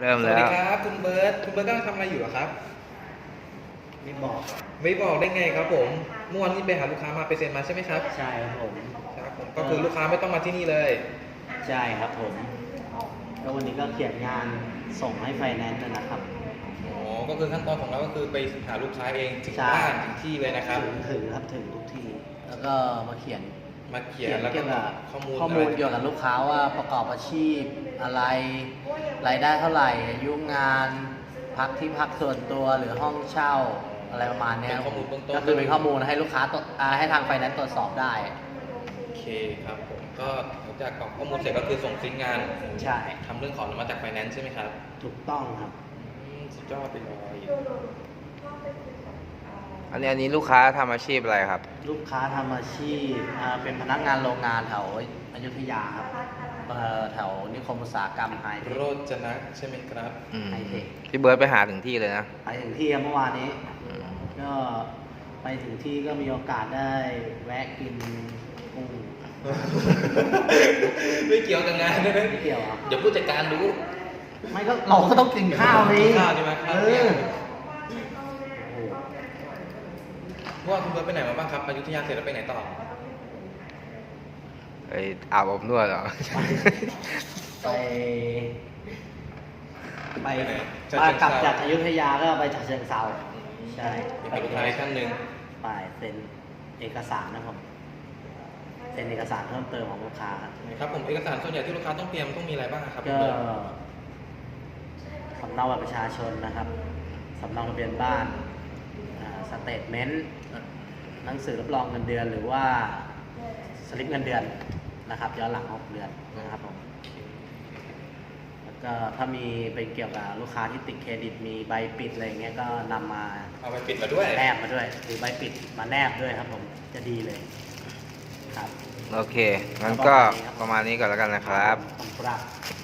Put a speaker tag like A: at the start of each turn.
A: เริ่ม
B: สวัส
A: แล้
B: ดี
A: ว
B: ครับคุณเบิร์ตกำลังทำอะไรอยู่เหรอครับ
C: ไม่บอก
B: ไม่บอกได้ไงครับผมเมื่อวานนี้ไปหาลูกค้ามาไปเซ็นมาใช่ไหมครับ
C: ใช่ครับผม
B: ครับผมก็คือลูกค้าไม่ต้องมาที่นี่เลย
C: ใช่ครับผมก็วันนี้ก็เขียนงานส่งให้ไฟแนนซ์นะครับ
B: อ๋อก็คือขั้นตอนของเราก็คือไปหาลูกค้าเองถึง
C: ใช่
B: บ้านถึงที่เลยนะครับ
C: ถึงครับถึงทุกที่ แล้วก็มาเขียน
B: มาเขียนแล้วก็
C: เกี่ยวกับ
B: ข้อมูล
C: ข้อมูลเกี่ยวกับลูกค้าว่าประกอบอาชีพอะไรรายได้เท่าไหร่อายุงานพักที่พักส่วนตัวหรือห้องเช่าอะไรประมาณเนี้ย
B: เป็นข้อมูลเบื้องต้น
C: ก็คือเป็นข้อมูลให้ลูกค้าให้ทางไฟแนนซ์ตรวจสอบได้
B: โอเคครับผมก็หลังจากกรอกข้อมูลเสร็จก็คือส่งซิงค์งาน
C: ใช่
B: ทำเรื่องขออนุมัติจากไฟแนนซ์ใช่ไหมครับ
C: ถูกต้องครับ
B: สุดยอดไปเลย
A: อันนี้ลูกค้าทำอาชีพอะไรครับ
C: ลูกค้าทำอาชีพเป็นพนักงานโรงงานแถวอยุธยาครับแถวนิคมอุตสาหกรรมไฮเทค
B: โรจนะใช่ไหมครับ
A: อืม
C: ไฮเทค
A: พี่เบิร์ดไปหาถึงที่เลยนะ
C: ไปถึงที่เมื่อวานนี้ ก็ไปถึงที่ก็มีโอกาสได้แวะกินกุ้ง
B: ไม่เกี่ยวกับงานนะ
C: ไม่เกี่ยวครับ
B: เดี๋ยวผู้จัดการรู้
C: ไม่ก็เราก็ต้องกินข้าวนี่
B: ข้าวใช่ไหมครับ
C: เอ
B: เนี่ย
C: อ
B: เมื่อวานคุณเบิร์ตไปไหนมาบ้างครับอยุธยาเสร็จแล้วไปไหนต่อ
A: ไปอาบอบนวดเหรอ
C: ไปไป
B: ไปไหน
C: กลับจากอยุธยาก็ไปฉะเชิงเทราใช่
B: มีกับลูกค้าอีกท่านหนึ่ง
C: ไปเซ็นเอกสารนะครับเซ็นเอกสารเพิ่มเติมของลูกค้าครับ
B: ครับผมเอกสารส่วนใหญ่ที่ลูกค้าต้องเตรียมต้องมีอะไรบ้างครับคุณ
C: ก็
B: เบิร์ต
C: สำเนาบัตรประชาชนนะครับสำเนาทะเบียนบ้านสเตทเมนต์หนังสือรับรองเงินเดือนหรือว่าสลิปเงินเดือนนะครับย้อนหลัง6เดือนนะครับผมแล้วก็ถ้ามีเป็นเกี่ยวกับลูกค้าที่ติดเครดิตมีใบปิดอะไรอย่างเงี้ยก็นำมา
B: เอาไปปิดมาด้วย
C: แนบมาด้วยหรือใบปิดมาแนบด้วยครับผมจะดีเลยครับ
A: โอเค งั้นก็ประมาณนี้ก่อนแล้วกันนะครับ
C: ขอบคุณครับ